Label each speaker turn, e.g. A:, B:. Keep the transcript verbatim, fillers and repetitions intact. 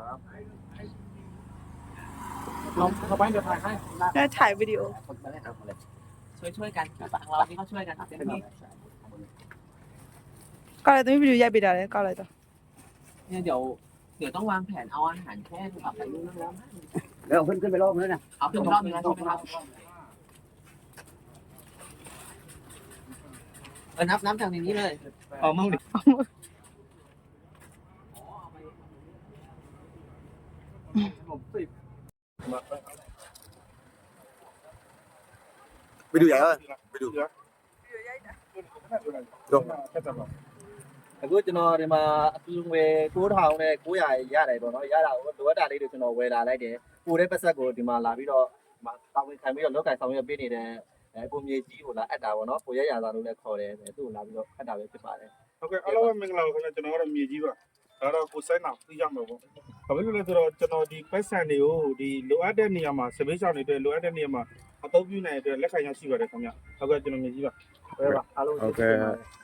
A: เราเขาไปเดี๋ยวถ่ายให้
B: แล้วถ่ายวิดีโอ
C: ช่วยช่วยกันฝั่งเราที่เขาช่วยกันเต็มที่
B: ก็อะไรต้องมีวิดีโอใหญ่ไปได้เลยก็อะไรต่อ
C: เนี่ยเดี๋ยวเดี๋ยวต้องวางแผนเอาอาหารแค่เอาไปนู่นแล้ว
D: แล้วขึ้นขึ้นไปรอบนึงนะ
C: เอาขึ้นรอบนึงแล้วใช่ไหมครับเออนับนับจากในนี้เลย
A: เอามั่งดิไปดูใหญ่ป่ะไปดูအခုကျွန်တော်ဒီမှာအတူငွေ၉ထောင်နဲ့၉ရာရတယ်ပေါ့နော်ရတာကိုလိုအပ်တာလေးတွေကျွန်တော်ဝယ်လာလိုက်တယ်ပိုတဲ့ပတ်ဆက်ကိုဒီမှာလာပြီးတော့ဒီမှာတောင်းဝင်ခံပြီးတော့လောက်ကင်ဆောင်ရွက်ပေးနေတဲ့အဲကိုမြေကြီးကိုလာအပ်တာပေါ့နော်ကိုရရသာလို့လည်းခေါ်တယ်သူ့ကိုလာပြီးတော့အပ်တာပဲဖြစ်ပါတယ်
E: ဟုတ်ကဲ့အားလုံးပဲမင်္ဂလာပါခင်ဗျာကျွန်တော်ကတော့မြေကြီးပါဒါတော့ကိုစိုင်းအောင်သိရမှာပေါ့ဘာဖြစ်လို့လဲဆိုတော့ကျွန်တော်ဒီပတ်စံတွေကိုဒီလိုအပ်တဲ့နေရာမှာစပေးချောင်းတွေအတွက်လိုအပ်တဲ့နေရာမှာအသုံးပြုနိုင်တဲ့အတွက်လက်ခံရရှိပါတယ်ခင်ဗျာဟုတ်ကဲ့ကျွန်တော်မြေကြီးပါဟုတ်ကဲ့ပါအားလုံး
F: ဟုတ်ကဲ့